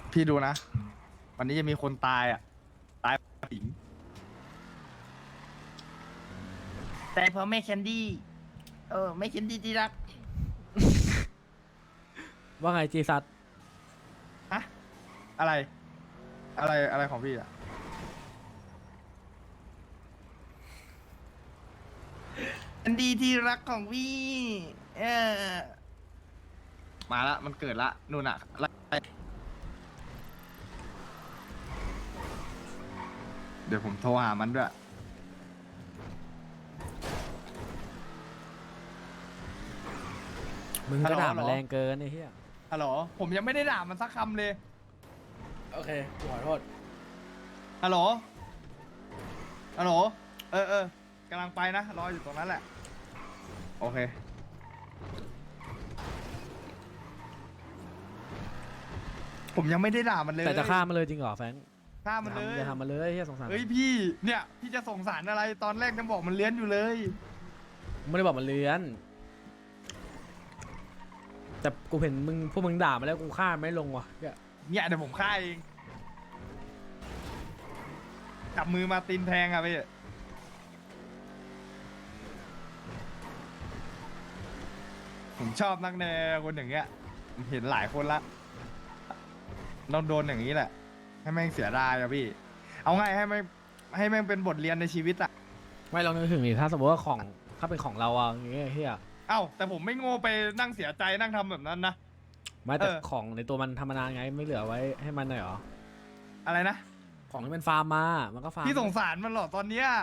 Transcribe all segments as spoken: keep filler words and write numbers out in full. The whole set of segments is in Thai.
พี่ดูนะ วันนี้จะมีคนตายอ่ะ ตายหญิงแต่เพราะแม่แคนดี้ เออแม่แคนดี้ที่รักว่าไงจีซัดฮะ อะไร อะไร อะไรของพี่อ่ะแคนดี้ที่รักของพี่ เออมาละ มันเกิดละนู่นอ่ะไล่เดี๋ยวผมโทรหามันด้วยมึงฮัลก็โหลด่าฮัลโหลมันแรงเกินไอ้เหี้ยฮัลโหล ผมยังไม่ได้ด่ามันสักคำเลยโอเคขอโทษฮัลโหล ฮัลโหล เออเออกำลังไปนะ รออยู่ตรงนั้นแหละ โอเค ผมยังไม่ได้ด่ามันเลยแต่จะฆ่ามันเลยจริงเหรอแฟรงค์ฆ่ามันเลยอย่าทำมันเลยเหี้ยสงสารเฮ้ยพี่ เนี่ย พี่จะส่งสารอะไร ตอนแรกยังบอกมันเลี้ยนอยู่เลยไม่ได้บอกมันเลื้อน แต่กูเห็นมึงพวกมึงด่ามาแล้วกูฆ่ามันไม่ลงว่ะเหี้ยเนี่ยเดี๋ยวผมฆ่าเอง จับมือมาตีนแทงอะพี่ ผมชอบนักแนวคนอย่างเงี้ยผมเห็นหลายคนละเราโดนอย่างนี้แหละ ให้แม่งเสียดายอะพี่ เอาไงให้แม่งให้แม่งเป็นบทเรียนในชีวิตอะไม่ลองนึกถึงดิถ้าสมมติว่าของถ้าเป็นของเราอะอย่างเงี้ยเฮียเอ้าแต่ผมไม่โง่ไปนั่งเสียใจนั่งทำแบบนั้นนะไม่แต่เออของในตัวมันธรรมดาไงไม่เหลือไว้ให้มันหน่อยเหรออะไรนะของที่มันฟาร์มมามันก็ฟาร์มพี่สงสารมันเหรอตอนเนี้ย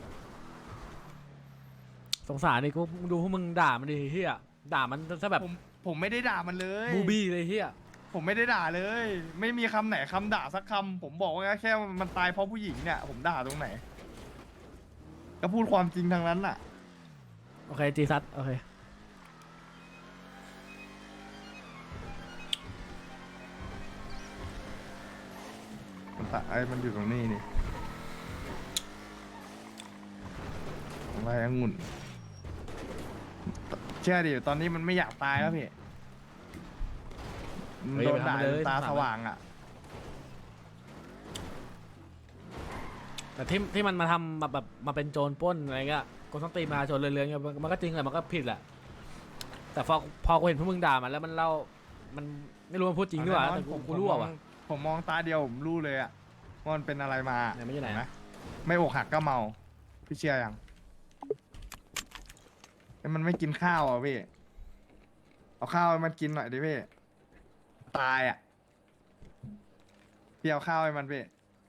สงสารดิกูดูพวกมึงด่ามันดิเฮียด่ามันซะแบบผมผมไม่ได้ด่ามันเลยบูบี้เลยเฮียผมไม่ได้ด่าเลย ไม่มีคำไหนคำด่าสักคำผมบอกว่าแค่มันตายเพราะผู้หญิงเนี่ย ผมด่าตรงไหน ก็พูดความจริงทางนั้นน่ะโอเคจีซัดโอเคมันตะไอ้มันอยู่ตรงนี้นี่อะไรองุ่นเชื่อดิตอนนี้มันไม่อยากตายแล้วพี่มันเฮ้ยโดนไปทำด่ามันเลยจนตาสงสารสว่างอ่ะแต่ที่ที่มันมาทำแบบแบบมาเป็นโจรปล้นอะไรเงี้ยกูต้องตีมาโจรเรือนๆเงี้ยมันมันก็จริงแหละมันก็ผิดแหละ แต่พอพอกูเห็นพวกมึงด่ามันแล้วมันเล่ามันไม่รู้มันพูดจริงด้วยแน่นอนแต่กูผมกูรู้ผมมว่ะองผมมองตาเดียวผมรู้เลยอ่ะว่ามันเป็นอะไรมาไหนมันอยู่ไหนเห็อะไม่อกหักก็เมาพี่เชื่อยังไอ้มันไม่กินข้าวอ่ะพี่เอาข้าวให้มันกินหน่อยดิพี่ตายอ่ะพี่เอาข้าวให้มันพี่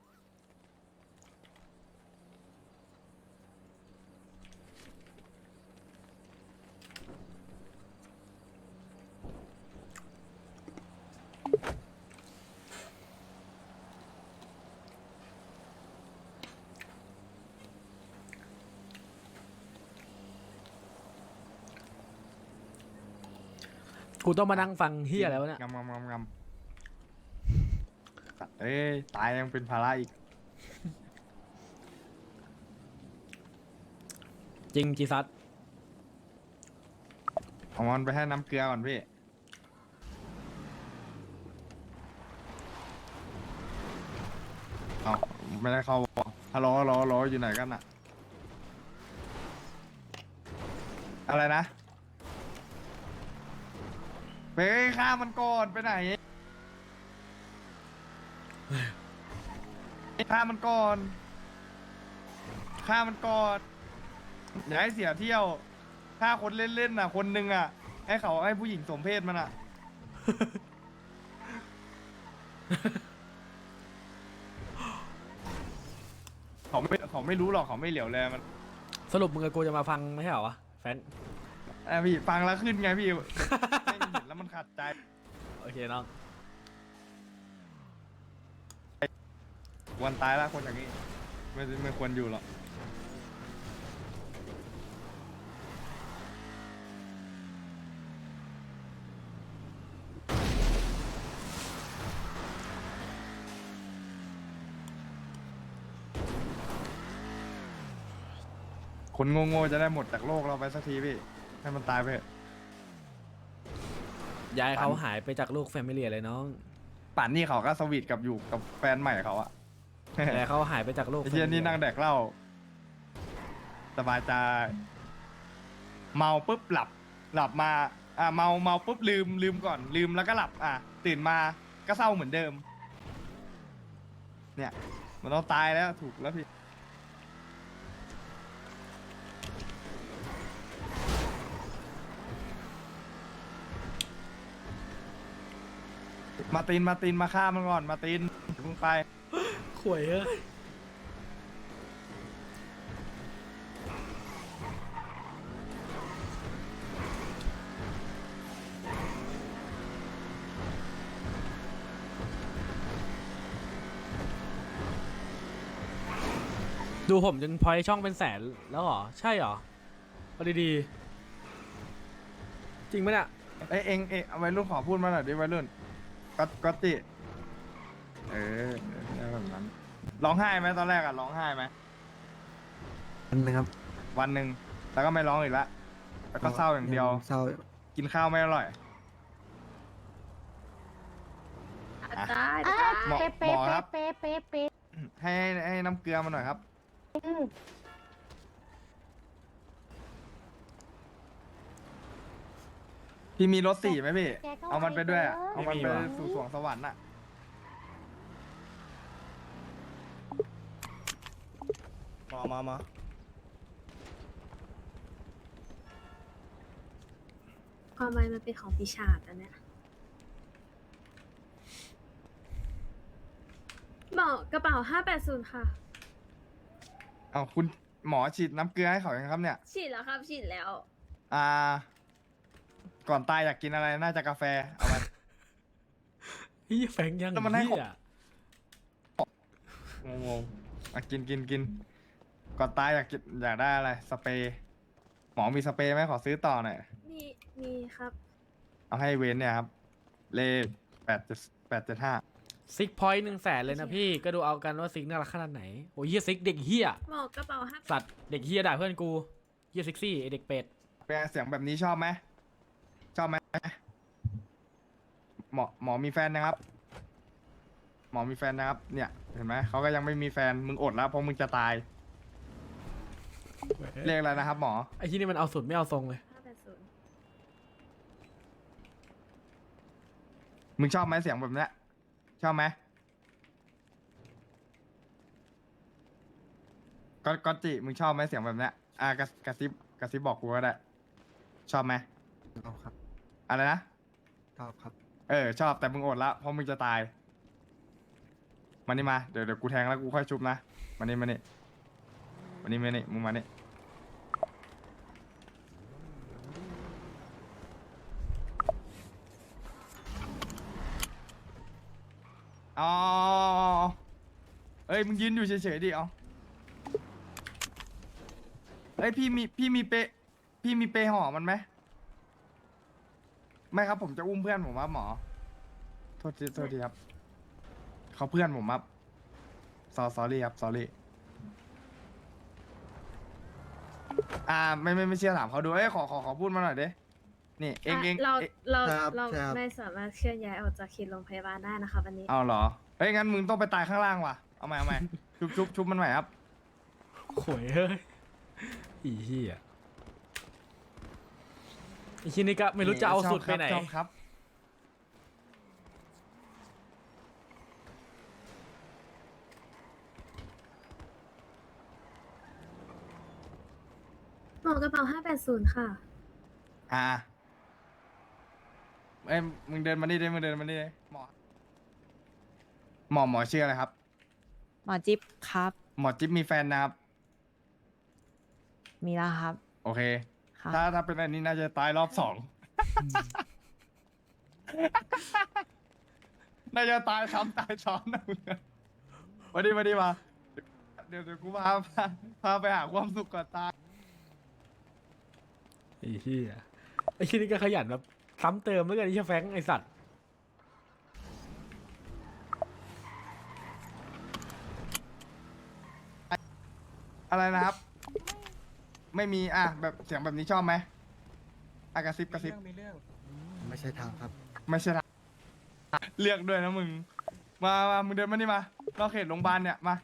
กูต้องมานั่งฟังเฮียแล้วะเนี่ยงำงำงำงำเอ้ยตายยังเป็นภาระอีกจริงจีซัดเอามันไปให้น้ำเกลือก่อนพี่เอาไม่ได้เข้าฮัลโหลฮัลโหลฮัลโหลอยู่ไหนกันอะอะไรนะไปฆ่ามันก่อนไปไหนฆ่ามันก่อนฆ่ามันก่อนอย่าให้เสียเที่ยวฆ่าคนเล่นๆน่ะ คนหนึ่งอ่ะ ให้เขาให้ผู้หญิงสมเพศมันอ่ะ เขาไม่เขาไม่รู้หรอกเขาไม่เหลียวแลมันสรุปมึงกับกูจะมาฟังไม่ใช่เหรอวะแฟนอ่ะพี่ฟังแล้วขึ้นไงพี่ ไม่เห็นแล้วมันขัดใจโอเคน้องวันตายแล้วคนอย่างนี้ไม่ไม่ควรอยู่หรอกคนโง่ๆจะได้หมดจากโลกเราไปสักทีพี่ ให้มันตายไปเถอะยายเขาหายไปจากลูกแฟมิลี่เลยน้องปป่านนี่เขาก็สวีทกับอยู่กับแฟนใหม่เขาอะแต่เขาหายไปจากโลกไอ้เชี่ยนี่นั่งแดกเหล้าสบายใจเมาปุ๊บหลับ หลับมาอ่าเมาเมาปุ๊บลืมลืมก่อน ลืมแล้วก็หลับ อ่ะตื่นมาก็เศร้าเหมือนเดิม เนี่ย มันต้องตายแล้วถูกแล้วพี่ มาตินมาตินมาฆ่ามันก่อนมาตินอย่าเพิ่งไปข่วยเอ้ยดูผมจนพอยช่องเป็นแสนแล้วเหรอ ใช่เหรอเอาดีๆ จริงไหมเนี่ยเอ้ยเองเองเอาวัยรุ่นขอพูดมาหน่อยดิวัยรุ่นก็ก็ติเออได้แบบนั้นร้องไห้ไหมตอนแรกอะร้องไห้ไหมอันนะครับวันหนึ่งแล้วก็ไม่ร้องอีกละแล้วก็เศร้าอย่างเดียวเศร้ากินข้าวไม่อร่อยได้อ่ะได้หมอเป๊ะหมเป๊ะอครับเป๊ะเป๊ะเป๊ะให้ให้น้ำเกลือมาหน่อยครับอืมพี่มีรถสี่ไหมพี่แกก็เอามันไปด้วยอะไว้เถอะเอามันไปไม่มีว่ะสู่สวงสวรรค์อะมามามาความหมายมันเป็นของปีศาจอันเนี้ยบอกกระเป๋าห้าแปดศูนย์ค่ะเอาคุณหมอฉีดน้ำเกลือให้เขายังครับเนี่ยฉีดแล้วครับ ฉีดแล้วอ่า ก่อนตายอยากกินอะไรน่าจะกาแฟเอามาพี่แฟงยังแล้วมันให้เหี้ยงงๆอ่ะกินกินกินก่อนตายอยากกินอยากได้อะไรสเปรย์หมอมีสเปรย์ไหมขอซื้อต่อหน่อยมีมีครับเอาให้เว้นเนี่ยครับ เลขแปดเจ็ดแปดเจ็ดห้าซิกพอยต์หนึ่งแสนเลยนะพี่ก็ดูเอากันว่าซิกน่ารักขนาดไหนโอ้ยเฮียซิกเด็กเฮียบอกกระเป๋าห้าสัตว์เด็กเฮียด่าเพื่อนกูเฮียซิกซี่ไอเด็กเป็ดเป็นไงเสียงแบบนี้ชอบไหมชอบไหมหมอหมอมีแฟนนะครับ หมอมีแฟนนะครับ เนี่ยเห็นไหมเขาก็ยังไม่มีแฟนมึงอดแล้วเพราะมึงจะตายเรียกอะไรนะครับ หมอไอที่นี่มันเอาสุดไม่เอาทรงเลยห้าแปดศูนย์มึงชอบไหมเสียงแบบเนี้ยชอบไหมก็ก็จิมึงชอบไหมเสียงแบบเนี้ยอ่ะกระกระซิบกระซิบบอกกูก็ได้ ชอบไหมชอบครับอะไรนะชอบครับเออชอบแต่มึงอดละเพราะมึงจะตายมานี่มาเดี๋ยวเดี๋ยวกูแทงแล้วกูค่อยชุบนะมานี่มานี่มานี่มานี่มึงมานี่อ๋อเอ้ยมึงยืนอยู่เฉยๆดิเอาเอ้ยพี่มีพี่มีเปพี่มีเปห่อมันไหมไม่ครับผมจะอุ้มเพื่อนผมครับหมอ โทษทีโทษทีครับ เขาเพื่อนผมครับซอ sorry ครับ sorry อ่าไม่ไม่ไม่เชื่อถามเขาดู เอ้ยขอขอขอพูดมาหน่อยดินี่เองเองเราเอ๊ะเราครับเราครับไม่สามารถเคลื่อนย้ายออกจากเขตโรงพยาบาลได้นะคะวันนี้เอาเหรอ เฮ้ยงั้นมึงต้องไปตายข้างล่างว่ะ เอาใหม่เอาใหม่ ชุบชุบชุบมันใหม่ครับโขวยเฮ้ยอีเหี้ยไอที่นี่ก็ไม่รู้จะเอาสุดไปไหนชอบครับบอกกระเป๋าห้าแปดศูนย์ค่ะอ่าเอ้ยมึงเดินมานี่ดิมึงเดินมานี่ดิหมอหมอหมอชื่ออะไรครับหมอจิ๊บครับหมอจิ๊บมีแฟนนะครับมีแล้วครับโอเคครับถ้าถ้าเป็นอันนี้น่าจะตายรอบสอง น่าจะตายซ้ำตายซ้อนนะมึงอะมาดิมาดิมา เดี๋ยวเดี๋ยวกูพาพาพาไปหาความสุขก่อนตายไอ้เหี้ยไอ้ที่นี่ก็ขยันแบบซ้ำเติมแล้วกันไอ้เหี้ยแฟงไอ้สัตว์อะไรนะครับ ไม่มีอ่ะแบบเสียงแบบนี้ชอบไหมอ่ะกระซิบกระซิบไม่ใช่ทางครับไม่ใช่ทางเลือกด้วยนะมึง มามามึงเดินมานี่มาเราเขตโรงพยาบาลเนี่ยมา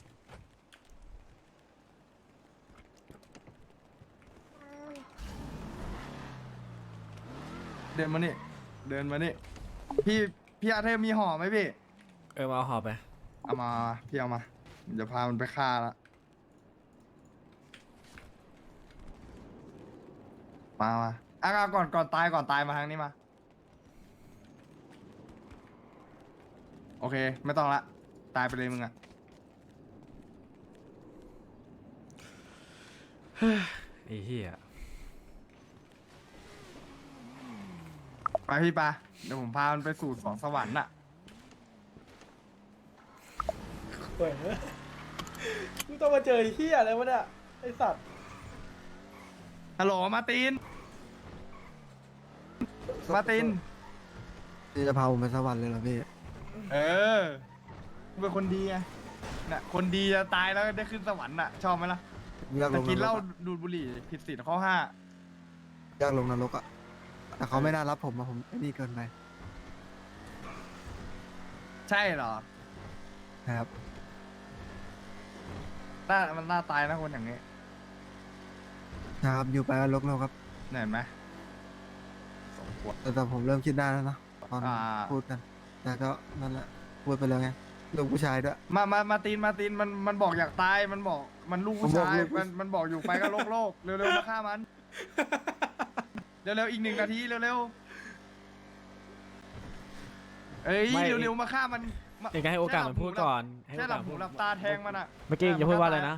เดินมานี่ เดินมานี่ พี่พี่อาเธอร์มีห่อไหมพี่เออมาเอาหอบไปเอามาพี่เอามาเดี๋ยวพามันไปฆ่าละมามาอ่ะก่อนก่อนตายก่อนตายมาทางนี้มา โอเค ไม่ต้องละ ตายไปเลยมึงอะไอ้เหี้ยไปพี่ปะเดี๋ยวผมพามันไปสู่สองสวรรค์น่ะเฮ้ยมึงต้องมาเจอไอ้เหี้ยอะไรวะเนี่ยไอ้สัตว์ฮัลโหลมาร์ติน มาร์ตินพี่จะพาผมไปสวรรค์เลยเหรอพี่เออเป็นคนดีไงน่ะคนดีจะตายแล้วได้ขึ้นสวรรค์น่ะ ชอบไหมล่ะอยากลแต่งกินนเหรล้ากอะดูดบุหรี่ผิดศีลข้อห้าอยากลงนรกอะแต่เขาไม่น่ารับผมอะผมไอ้นี่เกินไปใช่เหรอนะครับน่ามันน่าตายนะคนอย่างนี้นะครับอยู่ไปก็ลกโลกครับเห็นไหมสมควรแต่แต่ผมเริ่มคิดได้แล้วเนอะตอนอ่าพูดกัน แต่ก็นั่นแหละพูดไปแล้วไงลูกผู้ชายด้วยมามามาตีนมาตีนมันมันบอกอยากตายมันบอกมันลูกผู้ชายผมบอกลูกผู้มันมันบอกอยู่ไปก็โลกโลกเร็วๆมาฆ่ามัน เร็วๆอีกหนึ่งนาทีเร็วๆเอ้ยเร็วๆมาฆ่ามันมาเดี๋ยวให้โอกาสมันพูดก่อนให้แค่โอหลักาสบหูหลับตาแทงมันอ่ะเมื่อกี้จะพูดว่าอะไรนะ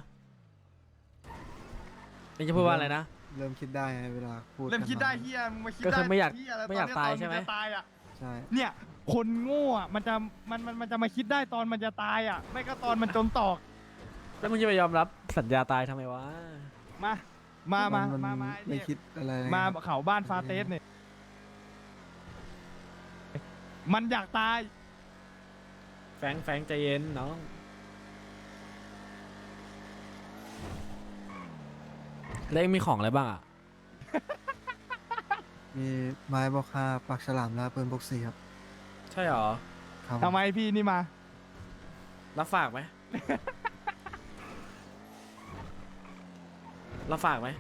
เองจะพูดว่าอะไรนะเริ่มคิดได้ไงเวลาพูดเริ่มกันคิดได้เฮียมึงมาคิดก็ได้คือไม่อยากเหี้ะรไม่อยากนตายเนี้ใช่ไหมตอนนจะตายอ่ะใช่เนี่ย คนโง่อะมันจะมันมันมันจะมาคิดได้ตอนมันจะตายอ่ะ ไม่ก็ตอนมันจนตอกแล้วมึงจะไปยอมรับสัญญาตายทำไมวะมา มา มานมา มาไม่คิดอะไรเลยมาครับเขาบ้านฟาเตสเนี่ย มันอยากตายแฟงแฟงใจเย็นน้องแล้วเองมีของอะไรบ้างอ่ะมีไม้บอกคาปากฉลามและปืนพกสีครับใช่หรอครับทำไมพี่นี่มารับฝากไหม รับฝากไหม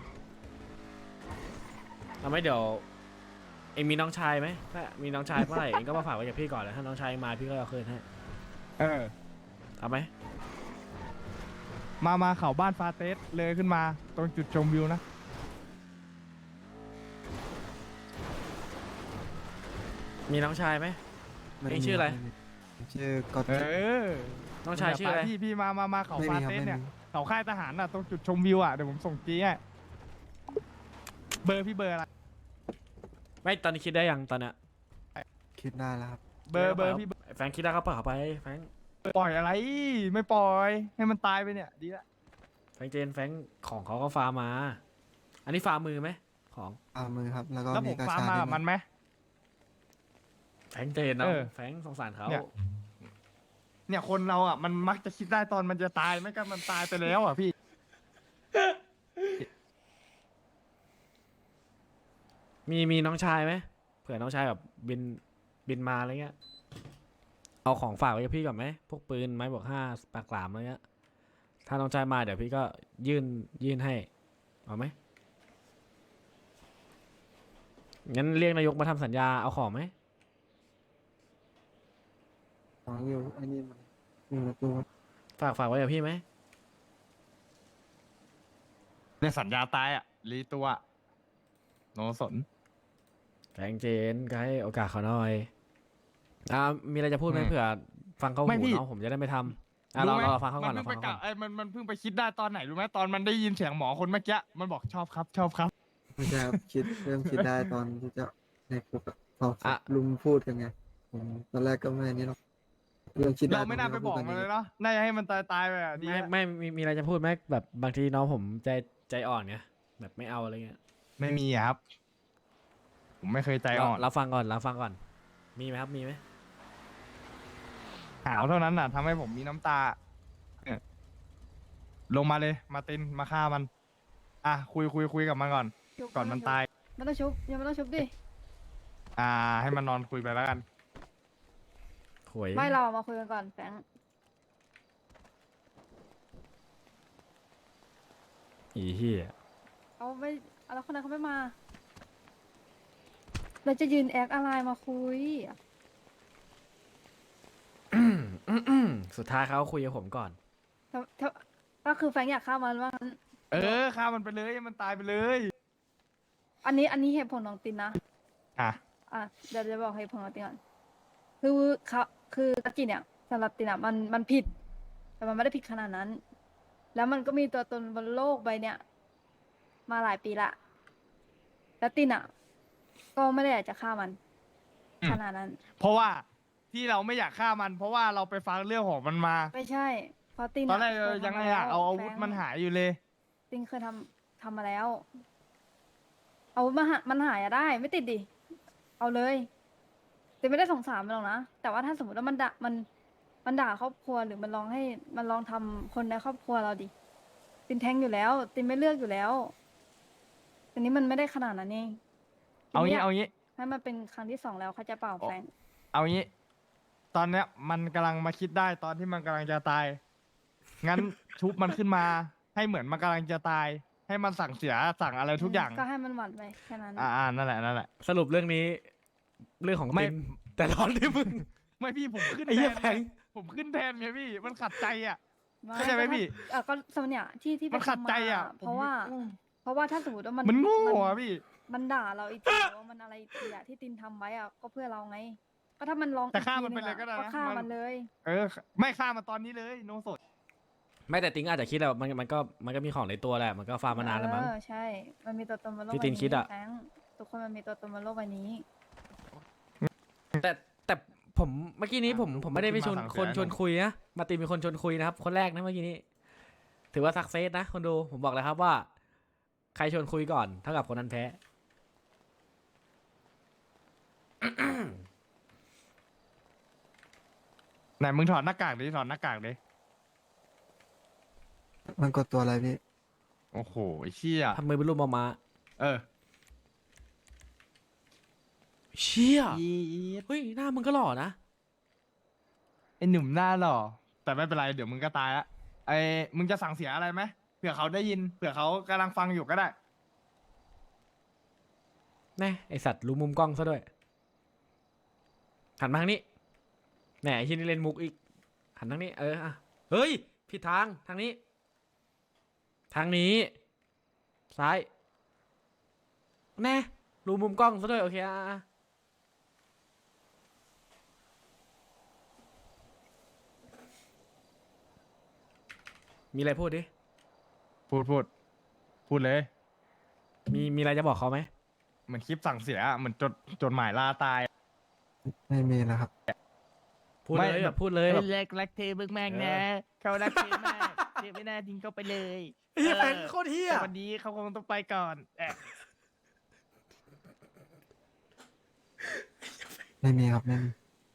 เอาไหมเดี๋ยว เองมีน้องชายไหมถ้ามีน้องชายเมื่อไหร่เองก็มาฝากไว้กับพี่ก่อนแล้วถ้าน้องชายมาพี่ก็เอาคืนให้เออเอาไหมมา มาเขาบ้านฟาเตสเลยขึ้นมา ตรงจุดชมวิวนะมีน้องชายไหมม่เองชื่ออะไรม่มีชื่อกอดเออน้องชายชื่ออะไรพี่พี่มา มา มาเขาไม่ฟามีครับเตสไม่เนี่ยมีเขาค่ายทหารน่ะ ตรงจุดชมวิวอ่ะ เดี๋ยวผมส่งจี้ให้เบอร์พี่เบอร์อะไรไม่ตอนนี้คิดได้ยังตอนเนี้ยคิดได้แล้วครับเบอร์เบอร์พี่เบอร์แฟงคิดได้เขาเปล่าเขาไปแฟงปล่อยอะไร ไม่ปล่อย ให้มันตายไปเนี่ย ดีละแฟงเจนแฟงของเขาก็ฟาร์มมา อันนี้ฟาร์มมือไหมของเอามือครับ แล้วก็แล้วผมีมกระฟาร์มชามาด้กับวยมันไหมแฟงเจนเนาะเออแฟงสงสารเขาเนี่ย เนี่ยคนเราอ่ะ มันมักจะคิดได้ตอนมันจะตาย ไม่ก็มันตายไปแล้วอ่ะพี่มีมีน้องชายไหมเผื่อน้องชายแบบบินบินมาอะไรเงี้ยเอาของฝากไว้กับพี่ก่อนไหมพวกปืนไม้บวกห้าปากหลามอะไรเงี้ยถ้าน้องชายมาเดี๋ยวพี่ก็ยื่นยื่นให้เอาไหมงั้นเรียกนายกมาทำสัญญาเอาของไหมของอยู่ไอ้นี่มันอยู่ในตู้ครับฝากฝากไว้กับพี่ไหมเนี่ยสัญญาตายอ่ะ รีตัวอะโนสนแฟงเจนก็ให้โอกาสเขาหน่อยอ่ามีอะไรจะพูดไหมอืมเผื่อฟังเขาไม่หูพี่น้องผมจะได้ไม่ทำอ่ะเราไหมเราฟังเขาก่อนมัเราเพิ่ฟังงไปเขาก่กะอนไอ้ยมันมันเพิ่งไปคิดได้ตอนไหนรู้ไหมตอนมันได้ยินเสียงหมอคนเมื่อกี้มันบอกชอบครับ ชอบครับไม่ใช่ครับคิดเริ่มคิดได้ตอนที่จะในคุกอะพอลุงพูดกันไงผมตอนแรกก็ไม่นี่หรอกเริ่มคิดได้เราไม่น่าไปบอกมันเลยเนาะน่าจะให้มันตายตายๆไปอ่ะดีไม่แล้วไม่มีมีอะไรจะพูดไหมแบบบางทีน้องผมใจใจอ่อนไงแบบไม่เอาอะไรเงี้ยไม่มีอะครับ ผมไม่เคยใจอ่อนเราฟังก่อนเราฟังก่อน มีไหมครับมีไหมหาวเท่านั้นน่ะทำให้ผมมีน้ำตาเนี่ยลงมาเลย มาตินมาฆ่ามัน อ่ะคุยคุยคุยกับมันก่อน ก่อนมันตายไม่ต้องชุบยังไม่ต้องชุบดิอ่า ให้มันนอนคุยไปแล้วกันหวยไม่เรามาคุยกันก่อนแฟรงค์อีเหี้ยเขาไม่แล้วคนนั้นเขาไม่มาเราจะยืนแอคอะไรมาคุยอืมอืมสุดท้ายเขาคุยกับผมก่อนถ้าถ้าก็คือแฟรงค์อยากฆ่ามันว่างั้นเออฆ่ามันไปเลยให้มันตายไปเลยอันนี้อันนี้เหตุผลของตินนะอ่ะอ่ะเดี๋ยวจะบอกเหตุผลของตินก่อนคือเขาคือตะกี้เนี่ยสำหรับตินอ่ะมันมันผิด แต่มันไม่ได้ผิดขนาดนั้น แล้วมันก็มีตัวตนบนโลกใบเนี้ยมาหลายปีละแล้วตินอ่ะ ก็ไม่ได้อยากจะฆ่ามันอืมขนาดนั้นเพราะว่าที่เราไม่อยากฆ่ามัน เพราะว่าเราไปฟังเรื่องของมันมาไม่ใช่เพราะตินตอนแรกะเราคยังทำอยากเอาอาวุธแฟรงค์มันหายอยู่เลยตินเคยทำทำมาแล้ว เอามาหามันหายอะได้ ไม่ติดดิ เอาเลยตินไม่ได้สงสารมันหรอกนะ แต่ว่าถ้าสมมติว่ามันด่ามันมันด่าครอบครัวหรือมันลองให้มันลองทำคนในครอบครัวเราดิ ตินแทงอยู่แล้ว ตินไม่เลือกอยู่แล้วแต่นี้มันไม่ได้ขนาดนั้นเองตินเอาไม่งี้ยกเอางี้ให้มันเป็นครั้งที่สองแล้วเขาใจะเปล่าแฟรงค์เอางี้ ตอนเนี้ยมันกำลังมาคิดได้ตอนที่มันกำลังจะตาย งั้น ชุบมันขึ้นมา ให้เหมือนมันกำลังจะตาย ให้มันสั่งเสียสั่งอะไรทุกอย่างก็ให้มันหวั่นไปแค่นั้นอ่าอ่านั่นแหละนั่นแหละสรุปเรื่องนี้ เรื่องของไม่ตินแต่ร้อนที่มึงไม่พี่ผมขึ้นไอ้แทเหี้ยนแพงผมขึ้นแทนไงพี่ มันขัดใจอ่ะไม่เข้าใจไหมพี่เออก็สมัยเนี่ยที่ที่ไปมันขัดทำาใจอ่ะเพราะว่าผมเพราะว่าถ้าสมมติว่ามันมันโง่มันอ่ะพี่มันด่าเราอีกทีหรือว่ามันอะไรอีกทีอะที่ตินทำไว้อะก็เพื่อเราไง ก็ถ้ามันลองแต่ฆ่าอีมันไปทีหเลยงอะก็ได้นะฆ่ามันมันเลยเออ ไม่ฆ่ามันตอนนี้เลยโนสดไม่แต่ติงอาจจะคิดแหละมันมันก็มันก็มีของในตัวแหละมันก็ฟาร์มมานานแล้วมั้งเออใช่ มันมีตัวตนบนโลกที่ใบตินนี้คิดอะแฟรงค์ทุกคนมันมีตัวตนบนโลกใบนี้แต่แต่ผมเมื่อกี้นี้ผมอ่ะผมไม่ได้ไปชวนขึ้นมาสั่งคนเสียชวนคุยนะมาร์ตินเป็นคนชวนคุยนะครับ คนแรกนะเมื่อกี้นี้ ถือว่าสักเซสนะคนดูผมบอกเลยครับว่า ใครชวนคุยก่อนเท่ากับคนนั้นแพ้ไหนมึงถอดหน้ากากดิถอดหน้ากากดิมันกดตัวอะไรพี่โอ้โหไอ้เชี่ยทำมือเป็นรูปมามาเออเชี่ยเฮ้ยหน้ามึงก็หล่อนะไอ้หนุ่มหน้าหล่อแต่ไม่เป็นไรเดี๋ยวมึงก็ตายละไอ้มึงจะสั่งเสียอะไรไหมเผื่อเขาได้ยินเผื่อเขากำลังฟังอยู่ก็ได้แน่ไอสัตว์รู้มุมกล้องซะด้วยหันมาทางนี้แหน่ไอที่นี่เล่นมุกอีกหันทางนี้เอออ่ะเฮ้ยผิดทางทางนี้ ทางนี้ ซ้ายแน่รู้มุมกล้องซะด้วยโอเคอ่ะอ่ะมีอะไรพูดดิพูดพูดพูดเลยมีมีอะไรจะบอกเขาไหมเหมือนคลิปสั่งเสียเหมือนจดจดหมายลาตายไม่มีแล้วครับพูดไม่เลยแบบพูดเลยแบบเลิกรักเธอบึกมากนะ เขารักเธอมากเธอไม่น่าทิ้งเขาไปเลยเฮียแฟนโคตรเฮียแต่วันนี้เขาคงต้องไปก่อนแอะไม่มีครับไม่มี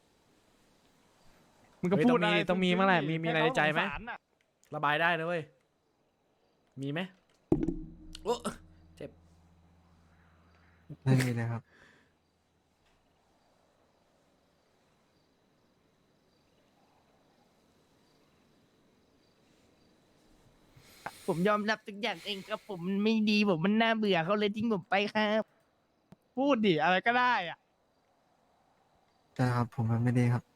มึงก็พูดอะไรต้องมีมั้งแหละมีมีอะไรในใจไหมเขาสงสารน่ะระบายได้นะเว้ยมีไหมโอ้เจ็บไม่มีเลยครับผมยอมรับทุกอย่างเองครับผมมันไม่ดีผมมันน่าเบื่อเขาเลยทิ้งผมไปครับพูดดิอะไรก็ได้อ่ะใช่ครับ ผมมันไม่ดีครับ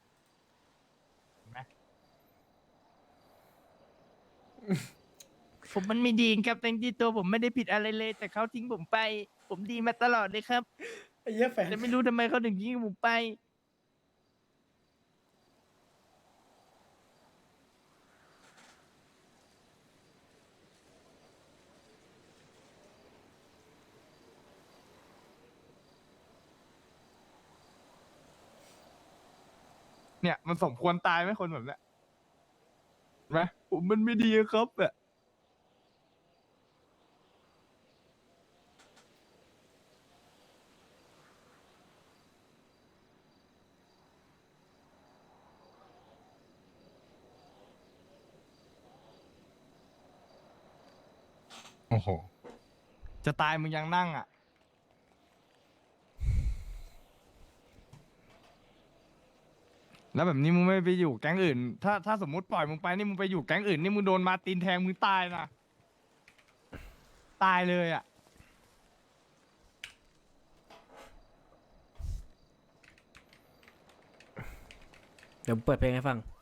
ผมมันไม่ดีครับแต่ที่ตัวผมไม่ได้ผิดอะไรเลย แต่เขาทิ้งผมไป ผมดีมาตลอดเลยครับไอ้เหี้ยแฟนแต่ไม่รู้ทำไมเขาถึงทิ้งผมไปเนี่ยมันสมควรตายไหมคนแบบเนี้ยเห็นไหมผมมันไม่ดีครับอ่ะโอ้โห จะตายมึงยังนั่งอ่ะแล้วแบบนี้มึงไม่ไปอยู่แก๊งอื่น ถ้าถ้าสมมติปล่อยมึงไปนี่มึงไปอยู่แก๊งอื่นนี่มึงโดนมาร์ตินแทงมึงตายนะตายเลยอ่ะเดี๋ยวเปิดเพลงให้ฟัง